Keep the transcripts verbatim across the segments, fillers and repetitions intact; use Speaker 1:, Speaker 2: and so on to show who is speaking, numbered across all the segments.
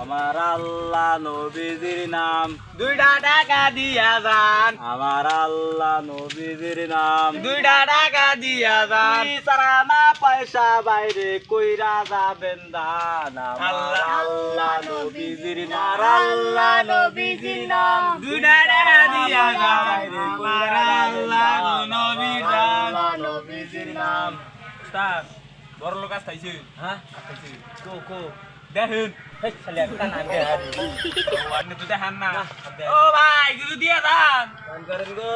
Speaker 1: আমার আল্লাহ নবীজির নাম
Speaker 2: দুইটা টাকা দিয়া যান
Speaker 1: আমার আল্লাহ নবীজির নাম
Speaker 2: দুইটা টাকা দিয়া যান
Speaker 1: সারা না পয়সা বাইরে কইরা যাবেন দান আমার আল্লাহ নবীজির নাম
Speaker 3: আল্লাহ নবীজির নাম
Speaker 2: দুইটা টাকা দিয়া যান আমার আল্লাহ নবীর নাম
Speaker 3: আল্লাহ নবীজির নাম
Speaker 2: উস্তাদ বড় লোক আসতাইছে
Speaker 1: হ্যাঁ
Speaker 2: আসতাইছে
Speaker 1: কো কো
Speaker 2: দেখুন
Speaker 1: হেই খালি আমি কান আনতে হারি
Speaker 2: ও আপনি তো দেখান না ও ভাই কিছু দিয়ে যান
Speaker 1: ফোন করেন গো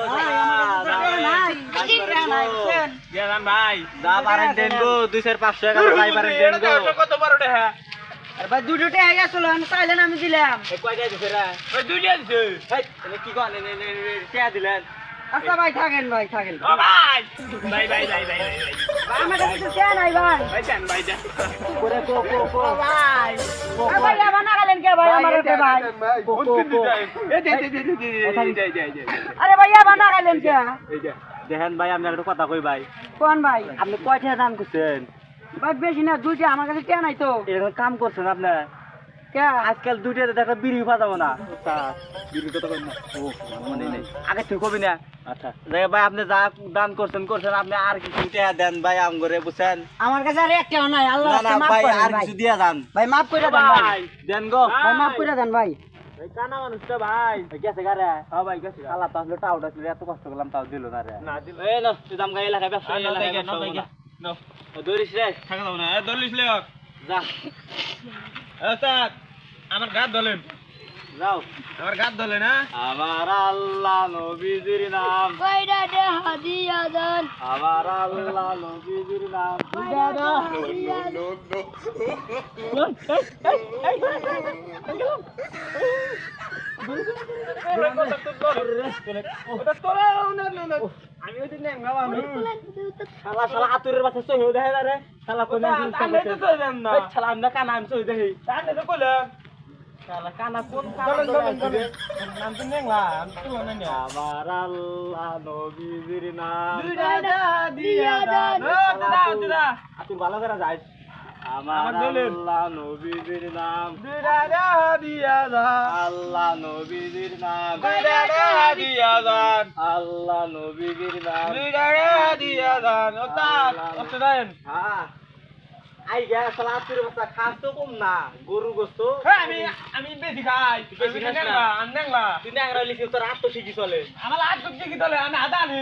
Speaker 2: দিয়া যান ভাই
Speaker 1: যা পারেন দেন গো দুইশো পাঁচশো টাকা যাই পারেন দেন গো
Speaker 2: কত বড় টাকা
Speaker 4: আরে ভাই দুটো টাকা গেছিল আমি চাইলেন আমি দিলাম
Speaker 1: এই কয়টা দিছে রে
Speaker 2: ওই দুইটা দিছে
Speaker 1: হেই তুমি কি কোন নে নে কে দিলেন
Speaker 4: আচ্ছা ভাই থাকেন ভাই থাকেন
Speaker 2: ও ভাই ভাই ভাই ভাই ভাই ভাই
Speaker 4: ভাই আমার কাছে তো টাকা নাই ভাই
Speaker 2: ভাই যান ভাই যান
Speaker 1: করে কো কো কো
Speaker 4: ভাই আরে ভাই আবার না গেলেন কে ভাই আমার কাছে ভাই
Speaker 1: কো কো কো
Speaker 2: এই দে দে দে দে যাই যাই যাই
Speaker 4: আরে ভাই আবার না গেলেন কে
Speaker 2: এই যা
Speaker 1: দেখেন ভাই আপনি একটা কথা কই ভাই
Speaker 4: কোন ভাই
Speaker 1: আপনি কয়টা দাম করছেন
Speaker 4: ভাই বেশি না দুইটা আমার কাছে টাকা নাই তো
Speaker 1: এরকম কাম করছেন আপনি
Speaker 4: কে
Speaker 1: আজকাল দুইটাতে দেখা বিড়ি পাতাবো না বিড়ি কথা কই না ও মনে নেই আগে তুই কবি না আচ্ছা দেখ ভাই আপনি যা দান করছেন করছেন আপনি আর কিছু টাকা দেন ভাই আম করে বুঝছেন
Speaker 4: আমার কাছে আর একটাও নাই আল্লাহ
Speaker 1: না না
Speaker 4: মাফ
Speaker 1: ভাই
Speaker 4: করেন
Speaker 1: আর
Speaker 4: ভাই
Speaker 1: কিছু দিয়া যান
Speaker 4: ভাই মাফ করে দেন ভাই
Speaker 1: দেন গো
Speaker 4: ভাই মাফ করে দেন ভাই
Speaker 2: ভাই কানা মানুষটা ভাই
Speaker 1: গেছে গারে
Speaker 2: হ্যাঁ ভাই গেছে
Speaker 1: আল্লাহ তাহলে টাউটা ছিল এত কষ্ট করলাম তাও দিল না রে
Speaker 2: না দিল
Speaker 1: এই না তুই দাম গাই এলাকায় ব্যবসা
Speaker 2: না
Speaker 1: এলাকায়
Speaker 2: দেখে না
Speaker 1: ব্যবসা
Speaker 2: দেখে নো
Speaker 1: ও দৌড়িস রে
Speaker 2: থাকা দাও না এ দলিস লেক
Speaker 1: যা
Speaker 2: ওস্তাদ আমার গাত ধলেন
Speaker 1: যাও
Speaker 2: আমার গাত ধলে না
Speaker 1: আমার আল্লাহ নবীজির নাম
Speaker 3: কয়টা টাকা দিয়া যান
Speaker 1: আমার আল্লাহ নবীজির নাম
Speaker 3: দাদা দিয়া
Speaker 2: আমি ওই দিন নেঙ্গাও আমি
Speaker 1: শালা শালা আতুরের বাসা সই হয়ে দেখা রে শালা কোন
Speaker 2: আমি তো চলেন না
Speaker 1: শালা আমরা কানা আমি সই দেখি
Speaker 2: তাহলে তো কইলাম
Speaker 1: শালা কানা কোন
Speaker 2: চলেন চলেন
Speaker 1: কানা
Speaker 2: চলেন নাম তো নেংলা আমি তো মনে নেই
Speaker 1: আমার আল্লাহ নবীজির নাম
Speaker 2: দুইটা দিয়া যান ও দাদা দাদা
Speaker 1: আতুর ভালো করে যাইস আমার
Speaker 2: আমার দলের।
Speaker 1: আল্লাহ নবীজির নাম
Speaker 2: দুইটা দিয়া যান
Speaker 1: আল্লাহ নবীজির নাম
Speaker 2: দুইটা দিয়া যান
Speaker 1: আল্লাহ নবীজির নাম
Speaker 2: দুইটা দিয়া যান ওস্তাদ ওস্তাদ দেন
Speaker 1: হ্যাঁ আই গা শালা আতুরের বাসা খাস তো কম না গরু গোস্ত
Speaker 2: হ্যাঁ আমি আমি বেশি খাই
Speaker 1: বেশি খাস না?
Speaker 2: নেংলা আমি নেংলা
Speaker 1: তুই না আংরা লিখি তোর আত্ম শিখি চলে
Speaker 2: আমার আজ করতে কি দলে আমি আদা নি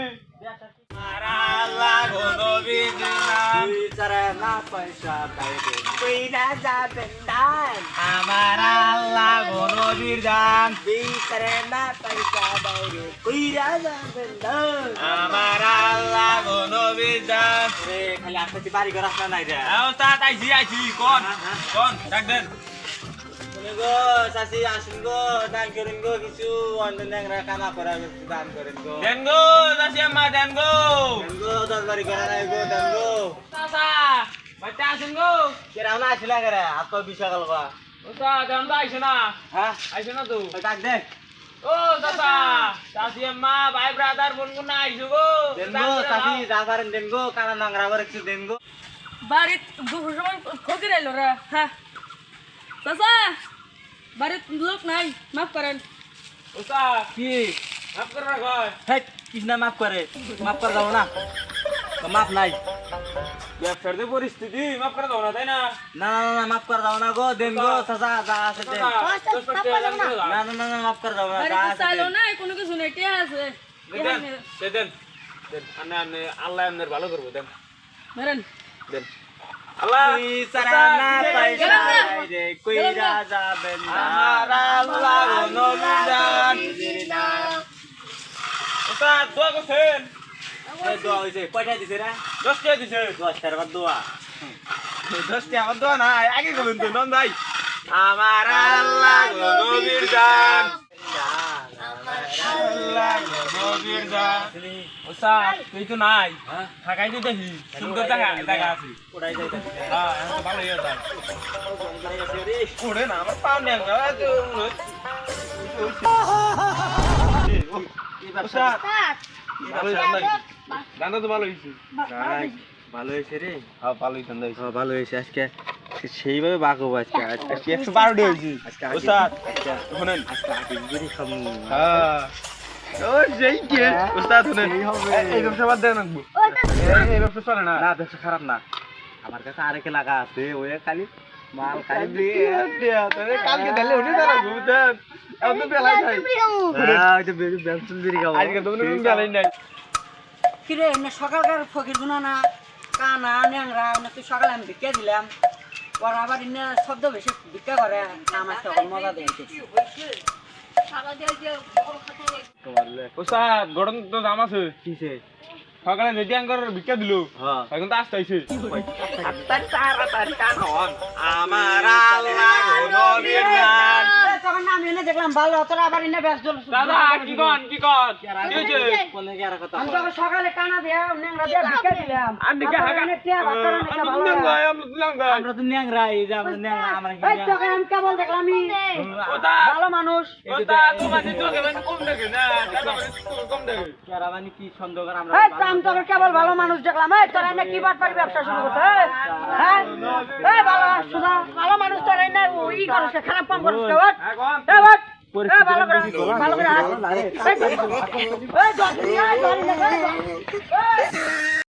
Speaker 2: আল্লাহ নবীর নাম
Speaker 1: তুই ছাড়া না পয়সা বাইরে কইরা যাবেন দান
Speaker 2: আমার আল্লাহ নবীর দান
Speaker 1: তুই ছাড়া না পয়সা বাইরে কইরা যাবেন দান
Speaker 2: আমার আল্লাহ নবীর দান
Speaker 1: রে খালি আসতে বাড়ি ঘর আসনা নাই রে
Speaker 2: ওস্তাদ আইছি আইছি কোন কোন ডাক দেন
Speaker 1: শুনে গো চাচি আসুন গো দান করেন গো কিছু অন্য ন্যাংরা কানা করা কিছু দান করেন গো
Speaker 2: দেন গো দাসি আম্মা দেন গো
Speaker 1: দেন গো দরবারি করা নাই গো দেন গো
Speaker 2: চাচা বাচ্চা আসেন গো
Speaker 1: কেরাও না আসলে করে হাত পা বিষা গেল গা
Speaker 2: ওস্তাদ দেন তো আইছে না
Speaker 1: হ্যাঁ
Speaker 2: আইছে না তো
Speaker 1: ওই ডাক দে
Speaker 2: ও চাচা চাচি আম্মা ভাই ব্রাদার বোন বোন আইছো গো
Speaker 1: দেন গো চাচি যা পারেন দেন গো কানা নোংরা করে কিছু দেন গো
Speaker 5: বাড়িত দুপুর সময় খোঁজে রাইল রে হ্যাঁ চাচা বাড়িত লোক নাই মাফ করেন
Speaker 2: ওস্তাদ
Speaker 1: কি
Speaker 2: মাফ করে রাখ
Speaker 1: হেই কৃষ্ণা মাফ করে মাফ করে দাও না তো মাফ নাই
Speaker 2: ব্যবসার যে পরিস্থিতি মাফ করে দাও না তাই না
Speaker 1: না না না মাফ করে দাও না গো দেন গো চাচা যা আছে দেন
Speaker 2: দশ পাঁচ টাকা দান করে দাও।
Speaker 1: না না না না মাফ করে দাও না যা
Speaker 5: বাড়িতে
Speaker 1: আছে
Speaker 5: চাইলো
Speaker 1: দেন।
Speaker 5: নাই কোনো কিছু নেই টিয়া আছে
Speaker 2: দেন দে দেন দেন আনে আনে আল্লাহ আপনার ভালো করবো দেন
Speaker 5: মেরেন
Speaker 2: দেন আল্লাহ
Speaker 1: তুই ছাড়া না পয়সা বাইরে কইরা যাবেন না
Speaker 2: আমার আল্লাহ নবীর দান ওস্তাদ দোয়া করছেন
Speaker 1: এই দোয়া হইছে কয়টা দিছে রে
Speaker 2: দশ টাকা দিছে
Speaker 1: দশ টাকার বাদ দোয়া
Speaker 2: দশ টাকা আমার দোয়া না আগে করবেন তো নন ভাই আমার আল্লাহ নবীর দান আল্লাহ নবীর দান ওস্তাদ তুই তো নাই
Speaker 1: হ্যাঁ
Speaker 2: থাকাই তো দেখি সুন্দর দেখা দেখা আছে
Speaker 1: ওড়াই যাইতা
Speaker 2: হ্যাঁ এখন তো ভালো হয়ে যায় ওরে না আমার পাও নেই ওস্তাদ ভালো হয়েছে গানটা তো ভালো হয়েছে
Speaker 1: ভালো হয়েছে রে
Speaker 2: হ্যাঁ ভালোই ঠান্ডা হয়েছে
Speaker 1: ভালো হয়েছে আজকে সেইভাবে বাকো আজকে
Speaker 2: আজকে একশো বারোটি হয়েছি ওস্তাদ শুনেন হ্যাঁ ও সেই কে ওস্তাদ শুনেন এই ব্যবসা বাদ দেন রাখবো এই ব্যবসা চলে না
Speaker 1: না ব্যবসা খারাপ না আমার কাছে আরেক লাগা আছে ওই খালি মাল খালি
Speaker 2: কালকে দিলে উঠে দাঁড়াবো বুঝছেন এখন তো বেলায় খাই
Speaker 1: ব্যবসা বিড়ি খাবো
Speaker 2: আজকে তো কোনো বেলাই নাই
Speaker 4: কিরে এমনি সকালকার ফকির গুনা না কানা ন্যাংরা এমনি তুই সকালে আমি ভিক্ষা দিলাম ওরা আবার এমনি শব্দ বেশি ভিক্ষা করে আমার তখন মজা দেয়
Speaker 2: ওস্তাদ গরম তো দাম আছে
Speaker 1: কিসে
Speaker 2: সকালে যদি আঙ্কর ভিক্ষা দিল
Speaker 1: হ্যাঁ
Speaker 2: এখন তো আসতে আইছে
Speaker 1: আমার আল্লাহ নবীর নাম
Speaker 4: তখন না আমি এনে দেখলাম ভালো তোরা আবার এনে ব্যস্ত
Speaker 2: দাদা কি কন কি কন কি হয়েছে
Speaker 1: কোনে কি আর কথা
Speaker 4: আমি তখন সকালে কানা দিয়া ন্যাংরা দিয়া ভিক্ষা দিলাম
Speaker 2: আর দিকে হাগা
Speaker 4: এনে টিয়া ভাত করে নাকি ভালো
Speaker 2: আমরা
Speaker 4: লাগে।
Speaker 2: আমরা দিলাম গাই
Speaker 1: আমরা তো ন্যাংরা এই যে আমরা ন্যাংরা আমরা কি
Speaker 4: এই তখন আমি কেবল দেখলাম আমি
Speaker 2: ওস্তাদ
Speaker 4: ভালো মানুষ
Speaker 2: ওস্তাদ তোমার তো কেমন কম দেখে না দাদা কম দেখে
Speaker 1: কেরা মানে কি সন্দেহ করে আমরা
Speaker 4: এই তো আমি তখন কেবল ভালো মানুষ দেখলাম এই তোরা এনে কি বাট পারি ব্যবসা শুরু করছে এই? হ্যাঁ এই ভালো শুধা ভালো মানুষ তোরা এনে ই করছ খারাপ কাম করছ কে ওঠ
Speaker 2: এখন
Speaker 4: এই ওঠ এই ভালো করে ভালো করে হাত এই এই ধর এই ধর এই